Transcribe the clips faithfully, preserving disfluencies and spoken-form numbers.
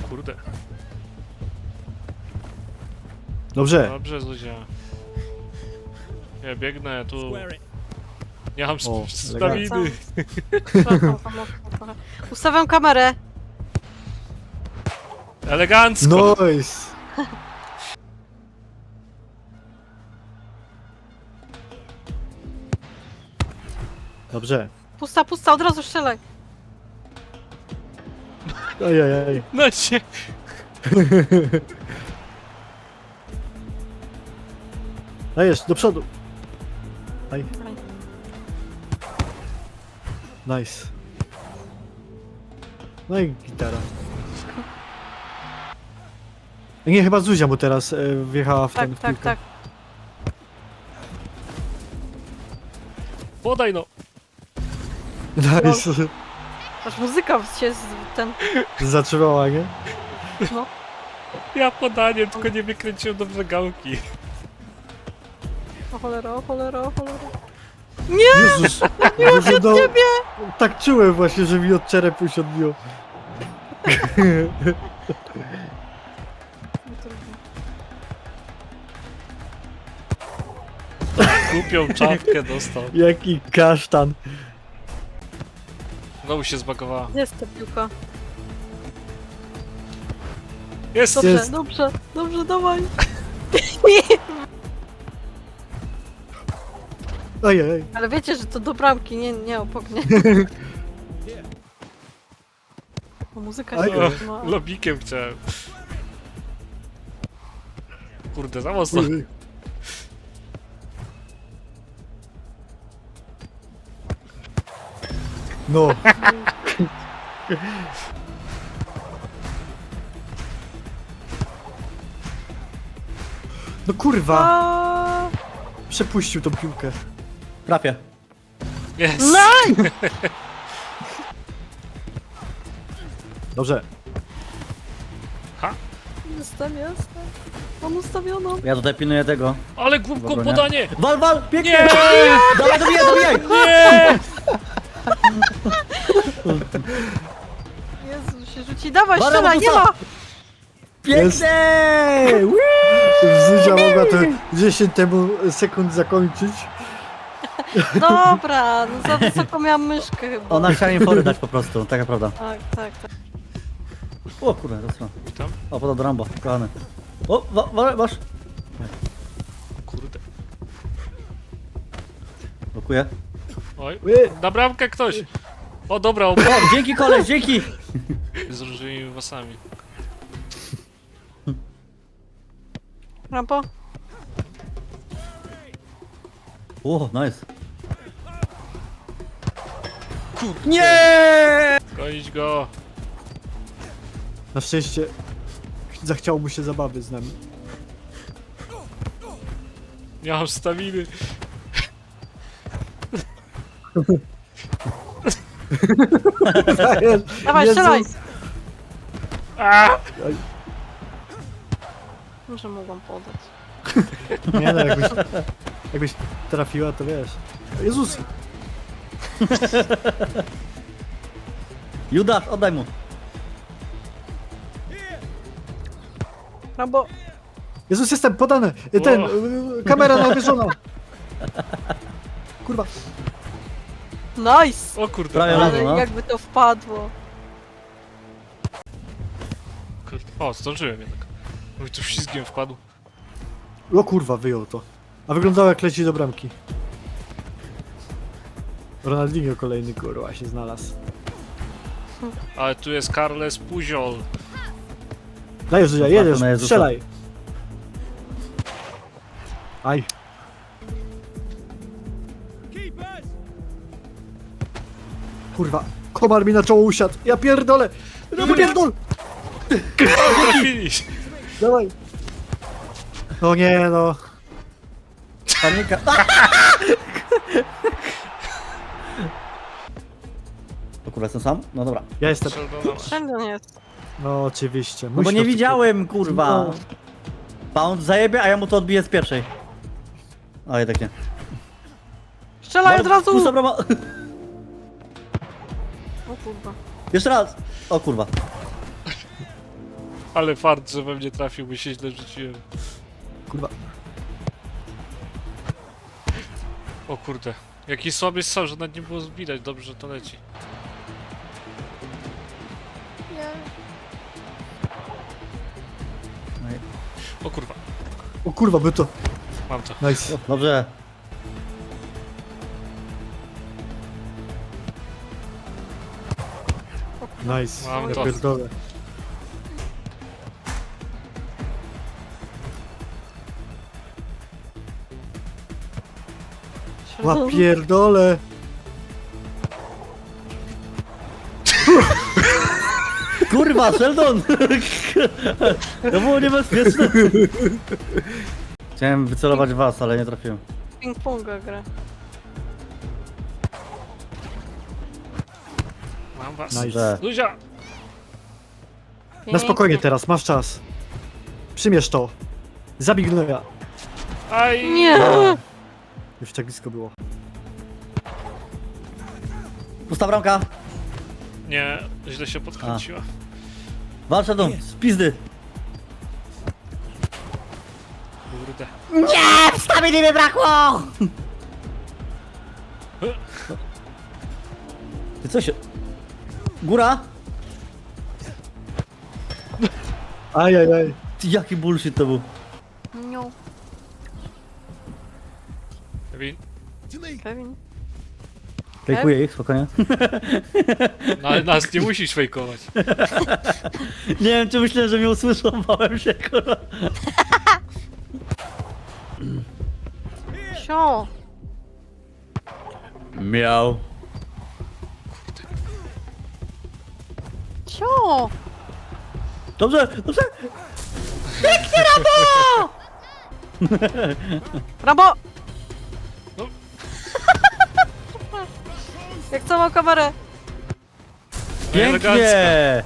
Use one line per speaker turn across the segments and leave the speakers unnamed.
Kurde.
Dobrze.
Dobrze, Zuzia. Ja biegnę tu. Nie mam
O,
staminy.
Przepraszam, samotnie trochę. Ustawiam kamerę.
Elegancko.
Nice. Dobrze.
Pusta, pusta, od razu strzelaj.
Ojej.
No cię.
Dajesz, do przodu. Aj. Nice. No i gitara. Nie, chyba Zuzia mu teraz e, wjechała w
Tak,
ten w
tak,
piłkę.
tak.
Podaj no.
Nice.
Aż muzyka się z ten...
Zatrzymała, nie?
no.
Ja podanie, tylko nie wykręciłem dobrze gałki.
O cholera, o cholera, o cholera.
Jezus! Jezu, no,
Ciebie!
tak czułem właśnie, że mi od czerepu się odbiło.
Głupią czapkę dostał.
Jaki kasztan.
Znowu się zbagowała.
Jest ta piłka.
Jest!
Dobrze,
Jest.
dobrze, dobrze, dawaj.
Ojej.
Ale wiecie, że to do bramki, nie, nie obok, nie? O, muzyka
Aj,
się
O,
trzyma.
lobikiem chciałem. Kurde, za mocno.
No. No kurwa,
A,
przepuścił tą piłkę.
Trafię.
Jest!
Nice!
Dobrze.
Jestem, jestem. Mam ustawioną.
Ja tutaj pilnuję tego.
Ale głupką
Dobra, nie?
podanie!
Wal, wal! Pięknie!
Nie!
Dawaj, dobijaj, dobijaj!
Nie!
Jezu, się rzuci. Dawaj,
Bara,
strzelaj, nie
Bogusa!
ma!
Pięknie!
Zuzia mogła to dziesięć temu sekund zakończyć.
Dobra, no za wysoko miałam myszkę chyba.
Ona chciała im fory dać po prostu, taka prawda.
Tak, tak, tak.
O kurde, to
Witam.
O, podał do Rambo, kochany. O, wa, wa, masz.
Kurde.
Blokuję.
Oj,
Ły.
na bramkę ktoś! O dobra, ob...
O, dzięki koleś, dzięki!
z różnymi włosami.
Rampo?
O, nice. Nie!
Gonić go!
Na szczęście zachciało mu się zabawy z nami.
Nie mam staminy.
Dawaj, strzelaj!
A!
Może mogłam podać.
Nie no, jakbyś, jakbyś trafiła, to wiesz. Jezus!
Judasz, oddaj mu.
Rambo!
Jezus, jestem podany! Ten,
O.
y, kamera nawyżona! Kurwa.
Nice!
O kurde.
Prawie
Ale
razem, no.
jakby to wpadło.
Kurde. O, zdążyłem jednak. Mój tu ślizgiem wpadł.
O kurwa, wyjął to. A wyglądało jak leci do bramki. Ronaldinho kolejny kurwa się znalazł.
Ale tu jest Carles Pujol.
Dajesz, Zuzia, jedziesz,
na Jezusa.
strzelaj. Aj. Kurwa, komar mi na czoło usiadł. Ja pierdolę! No pierdol!
Trafili!
Dawaj. No nie no.
Panika. O kurwa, jestem sam? No dobra.
Ja jestem.
Sheldona.
Sheldon jest.
No oczywiście.
No bo
Musi
nie
to-
widziałem, kurwa.
No.
Pound zajebie, a ja mu to odbiję z pierwszej. A jednak nie.
Strzelaj od razu!
Pusta brama.
O kurwa.
Jeszcze raz. O kurwa.
Ale fart, że we mnie trafił, by się źle rzuciłem.
Kurwa.
O kurde. Jaki słaby strzał, że nawet nie było zbidać. Dobrze, że to leci. O kurwa,
O kurwa, by to.
mam to.
Nice.
Dobrze.
Nice.
Mam
Ja
to.
pierdolę. Ła pierdolę.
Kurwa, Sheldon! To było niebezpieczne. Chciałem wycelować was, ale nie trafiłem.
Ping-ponga gra.
Mam was.
Nice.
Że.
Luzia!
Na spokojnie teraz, masz czas. Przymierz to. Zabij gnoja.
Aj!
Nie!
Już tak blisko było.
Pusta bramka.
Nie, źle się podkręciła.
Walcz, Sheldon, z pizdy.
Kurde.
Nie! Staminy mi brakło! Ty co się... Góra?
Ajajaj.
Ty, jaki bullshit to był.
Niu.
Kevin,
Kevin.
Fejkuję ich, spokojnie.
no, ale nas nie musisz fejkować.
Nie wiem, czy myślę, że mnie usłyszą, bałem się, kurwa.
Sio.
Miał.
Sio.
Dobrze, dobrze.
Rambo!
No.
Jak całą kamerę.
Pięknie.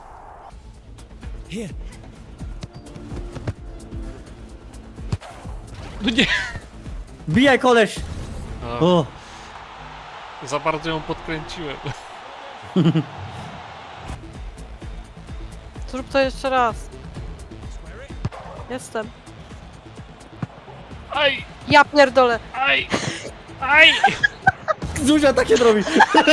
No nie!
Bijaj, koleś.
A,
O,
za bardzo ją podkręciłem.
Zrób to jeszcze raz. Jestem.
Aj!
Ja pierdolę.
Aj! Aj!
Zuzia tak się robi.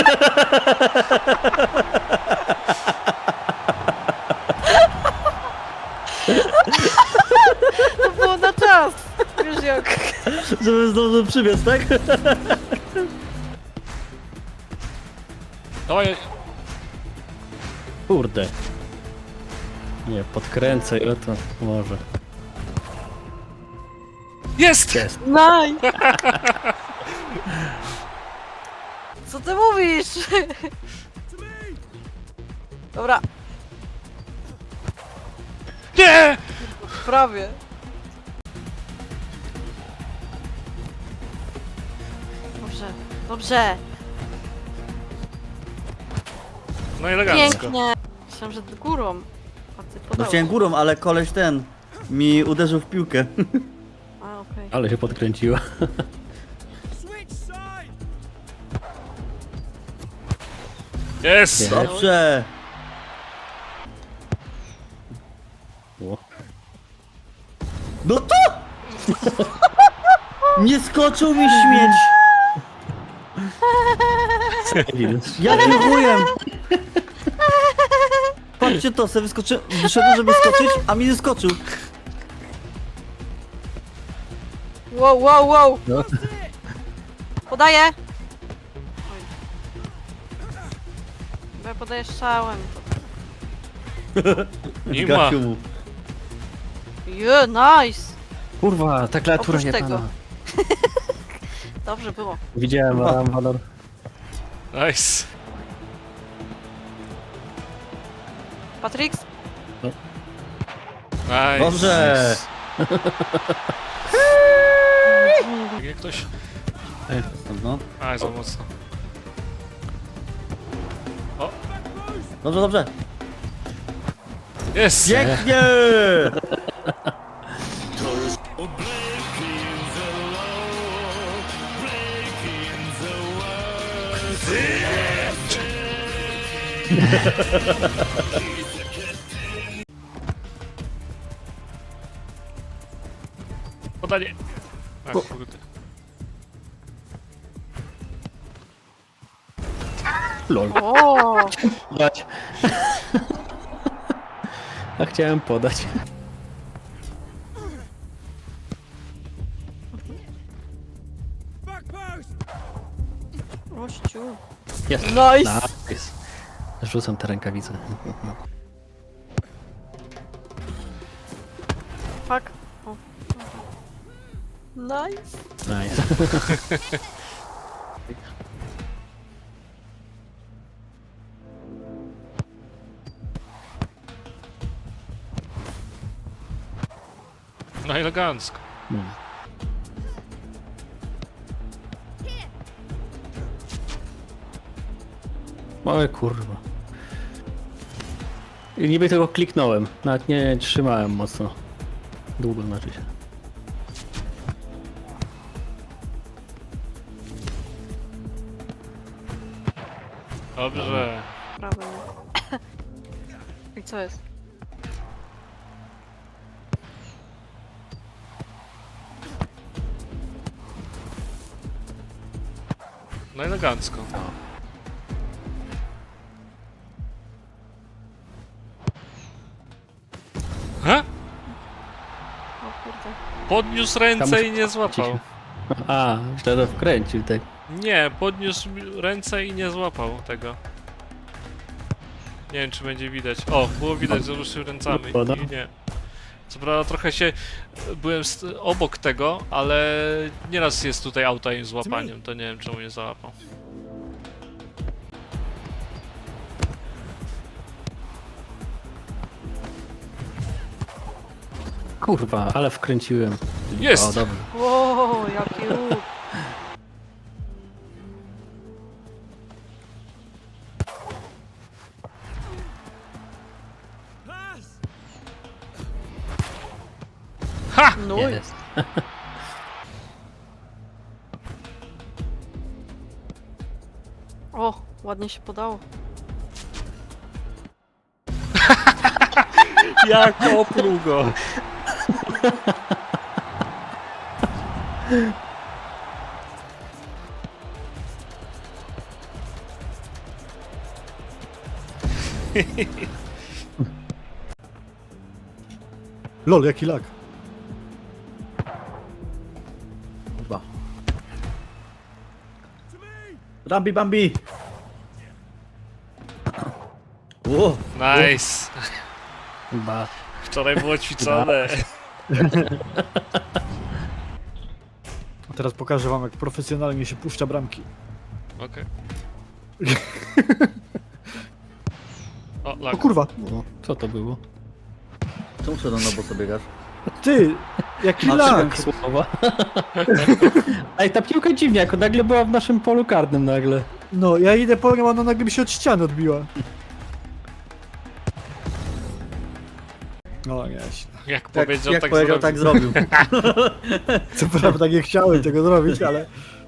To było na czas. Wiesz jak.
Żeby zdążył przybiec, tak?
Dawaj!
Kurde. Nie, podkręcę ile to może.
Jest!
Jest.
Naj. Co ty mówisz? Dobra,
Nie!
prawie. Dobrze, dobrze.
No elegancko.
Pięknie. Myślałam, że górą. A ty
No
podałeś.
chciałem górą, ale koleś ten mi uderzył w piłkę.
A, okej.
Ale się podkręciła.
Jest!
Nie.
Dobrze.
O.
No to! Nie skoczył mi śmieć. Jakim chujem? Patrzcie to, sobie wyskoczy... wyszedłem, żeby skoczyć, a mi nie skoczył.
Wow, wow, wow.
No.
Podaję. Oj. Bo ja podaję strzałem.
Nie ma.
Zgasił mu.
Je, nice.
Kurwa, ta klawiatura
Oprócz
nie
tego.
pana.
Dobrze było.
Widziałem,
Kurwa.
mam walor.
Nice.
Patrix?
Nice.
Dobrze.
Jak ktoś...
No.
Aj, za mocno.
Dobrze, dobrze.
Jest!
Pięknie!
podanie. Ach,
O.
kurde.
Lol.
O,
Podać. A chciałem podać.
gościu.
Jest.
Nice.
Nice. Rzucam te rękawice.
Fuck. O. Nice.
Nice.
No elegancko.
Hmm. Małe kurwa. I niby tego kliknąłem. Nawet nie trzymałem mocno. Długo znaczy się.
Dobrze.
Prawo. I co jest?
No elegancko. Ha?
O kurde.
Podniósł ręce i nie złapał.
A, źle to wkręcił, tak.
Nie, podniósł ręce i nie złapał tego. Nie wiem, czy będzie widać. O, było widać, że ruszył ręcami.
Woda?
I nie. Co prawda trochę się... Byłem st- obok tego, ale nieraz jest tutaj auta im złapaniem, to nie wiem, czemu nie załapał.
Kurwa, ale wkręciłem.
Jest!
O, dobrze.
Wow, jaki łuk.
Ha!
No i
Jest.
o, ładnie się podało.
Jak opluł go!
Lol, jaki lag.
Kurwa. Rambi Bambi! Ło!
Nice!
Ba.
Wczoraj było ćwiczone.
A teraz pokażę wam, jak profesjonalnie się puszcza bramki.
Okej. O,
O
lag.
kurwa,
O, co to było?
Czemu się na boso biegasz?
ty, jaki
A,
lag.
Słowa. Ej, ta piłka dziwnie, jako nagle była w naszym polu karnym nagle.
No, ja idę po nią, ona nagle mi się od ściany odbiła. No, nie.
Jak
Jak,
powiedział,
jak
tak
powiedział,
zrobił.
tak zrobił.
Co prawda nie chciałem tego zrobić, ale...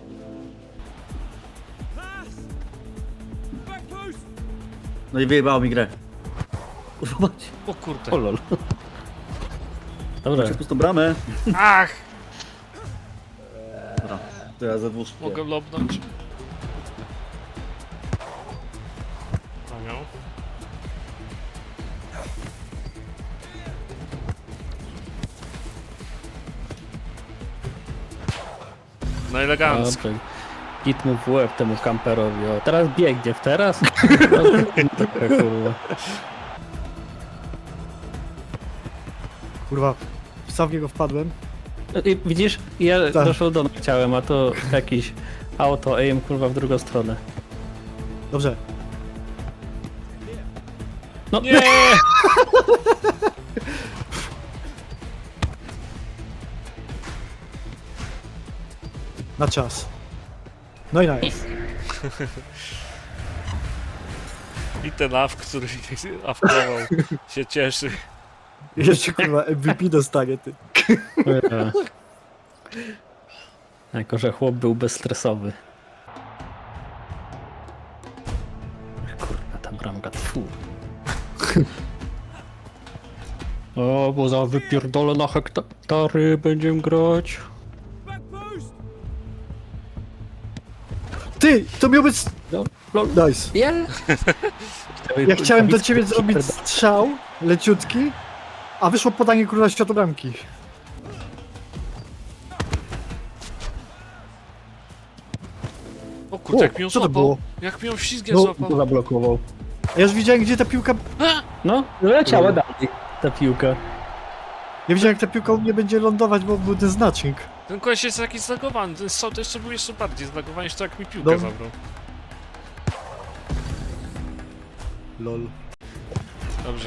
No i wyjebało mi grę. Zobacz.
O kurde.
O lol. Dobra,
Macie pustą bramę.
Ach!
Dobra, to ja ze dwóch.
Mogę lobnąć. Panią. No elegancko.
dobrze. Git mu w łeb temu kamperowi. O, teraz biegnie w teraz? No, taka kurwa.
Kurwa, sam w niego wpadłem.
I widzisz, ja
Tak.
do Sheldona chciałem, a to jakiś auto aim kurwa w drugą stronę.
Dobrze.
No
Nie!
Na czas. No i nice.
I ten AF, który awkował, się cieszy.
Jeszcze kurwa M V P dostanie, ty.
E. Jako, że chłop był bezstresowy. Kurwa, ta bramka, tfu. O, bo za wypierdolę na hektary będziemy grać.
Ty, to miał być...
No, lol.
Nice.
Biel.
Ja chciałem do ciebie zrobić strzał, leciutki, a wyszło podanie króla światobramki.
O kurde,
O,
jak mi ją
co to
złapał.
było?
Jak mi ją ślizgiem
No,
złapał.
To zablokował.
Ja już widziałem, gdzie ta piłka...
No, leciała dalej ta piłka.
Ja widziałem, jak ta piłka u mnie będzie lądować, bo był ten znacznik.
Ten koleś jest jakiś zlagowany, ten strzał to jeszcze był jeszcze bardziej zlagowany niż to jak mi piłkę
Dobra.
zabrał.
Lol.
Dobrze.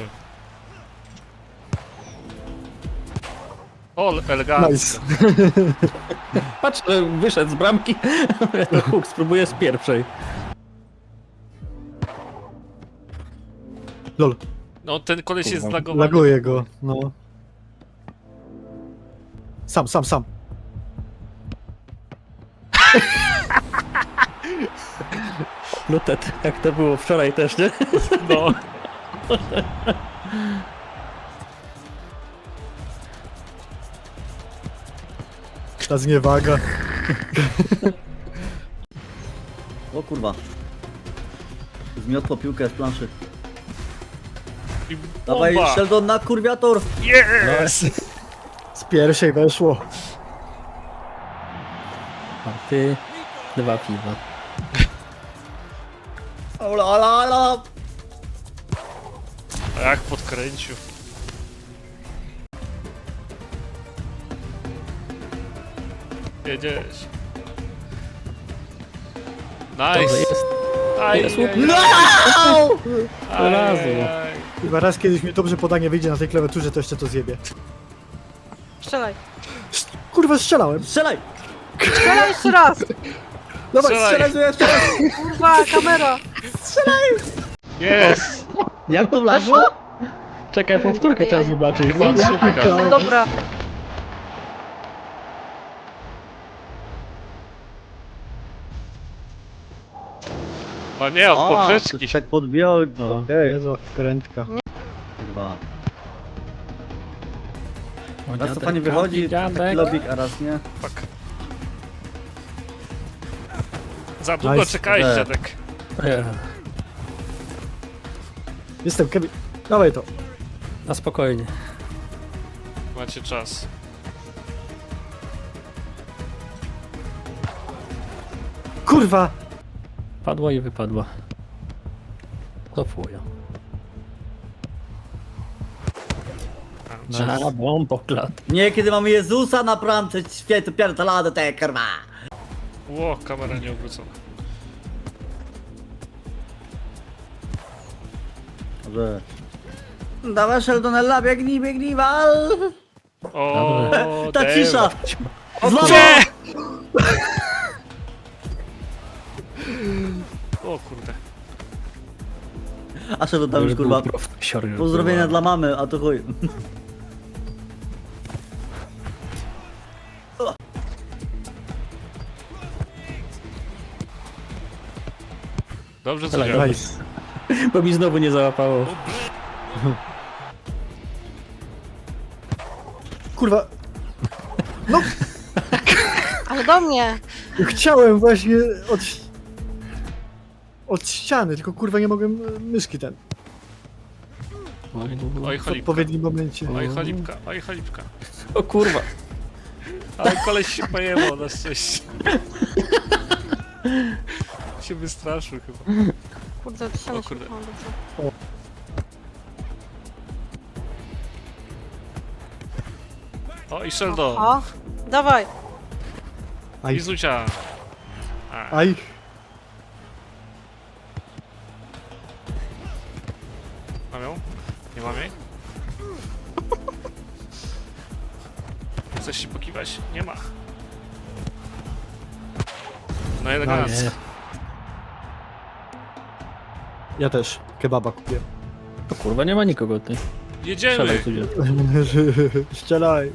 O, elegancko.
Nice.
Patrz, że wyszedł z bramki. To Huk spróbuje z pierwszej.
Lol.
No, ten koleś jest
Kurwa.
zlagowany.
Laguję go, no. Sam, sam, sam.
Lutet, jak to było wczoraj też, nie?
No.
Ta zniewaga.
O kurwa. Zmiotło piłkę z planszy.
I
Dawaj,
bomba.
Sheldon na kurwiator!
Yes!
Z pierwszej weszło.
A ty, dwa piwa.
Ola, ola, ola!
A jak podkręcił. Jedziesz.
Dobrze,
Nice.
jest.
Aj,
jest
aj,
łup.
No!
aj,
Razu.
aj, aj.
Chyba raz kiedyś mi dobrze podanie wyjdzie na tej klawiaturze, to jeszcze to zjebie.
Strzelaj.
Sz- Kurwa, strzelałem.
Strzelaj!
Strzelaj jeszcze raz!
Dawaj,
Strzelaj.
Strzelaj, jeszcze raz!
Kurwa, kamera!
Jest!
Jak to wlazło?
Czekaj, powtórkę trzeba zobaczyć.
Super.
Dobra.
O nie, od
A,
poprzeczki.
tak podbiał.
O,
Okej.
Jezu, krętka.
Kurwa. Raz to fajnie wychodzi, taki lobik, a raz nie.
Fuck. Za długo
Nice.
czekałeś,
Nie.
dziadek.
Jestem Kevin. Dawaj to.
Na spokojnie.
Macie czas.
Kurwa!
Padła i wypadła. Cofuję. Na bomboklat.
Nie, kiedy mamy Jezusa na bramce, święty pierdolony te kurwa.
Ło, kamera nie obrócona.
Dobrze. Dawaj Sheldonella, biegnij, biegnij, wal!
O,
Ta
damn.
cisza! Znowu!
Nie! O kurde.
A Sheldon tam już kurwa. Pozdrowienia dla mamy, a to chuj.
Dobrze, co
Dobra,
działa.
Nice.
Bo mi znowu nie załapało.
Kurwa.
Ale do mnie!
Chciałem właśnie od... Od ściany, tylko kurwa nie mogłem e, myszki ten.
Oj,
W
cholipka.
odpowiednim momencie.
Oj, cholipka, oj, cholipka.
O kurwa.
Ale koleś się pojebał na szczęście. się wystraszył chyba.
Kurde, to się
O kurde.
dobrze.
O, i Sheldon.
O, dawaj!
Aj.
I Zucia. A,
Aj.
mam ją? Nie mam jej? Chcesz się pokiwać? Nie ma. No elegancko.
Nice. Ja też. Kebaba kupię.
O kurwa, nie ma nikogo ty.
Jedziemy!
Strzelaj tu gdzie.
Strzelaj.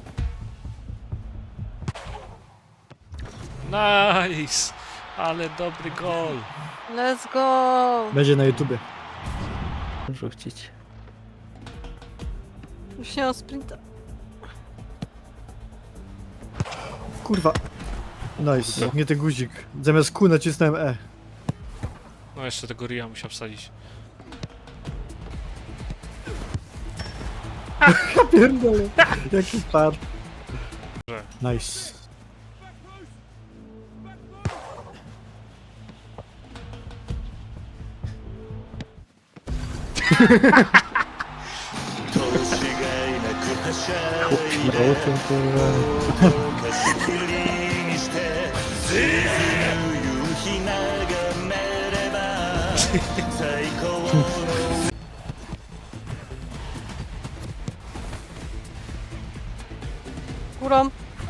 Nice! Ale dobry gol.
Let's go!
Będzie na YouTubie.
Rzucić.
Już nie mam sprinta.
Kurwa. Nice, nie ten guzik. Zamiast Q nacisnąłem E.
No jeszcze tego Ria musiał wsadzić.
Ja pierdolę. Jaki fart.
Że.
Nice.
Nauczył, kurwa.
Górą.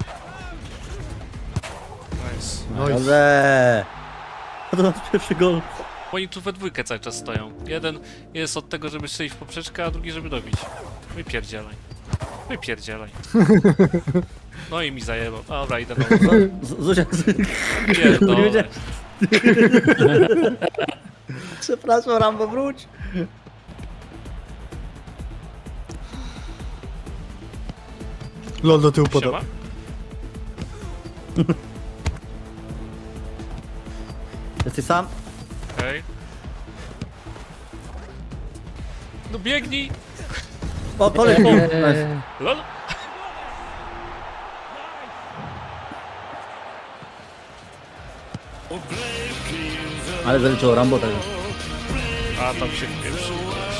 Nice.
Nice.
Dobrze. To nasz pierwszy gol.
Oni tu we dwójkę cały czas stoją. Jeden jest od tego, żeby strzelić w poprzeczkę, a drugi, żeby dobić. Wypierdzielaj. Wypierdzielaj. No i mi zajebał. Dobra, idę na
Z- Zuzia, nie
Pierdolę.
wiedziałem. Przepraszam, Rambo, wróć.
Lol do tyłu podał.
Siema?
Jesteś sam?
Okej. No biegnij!
O, koleś mi. Nice.
Eee,
Lol!
Ale zaliczyło Rambo tego.
A tam się wpieprzył.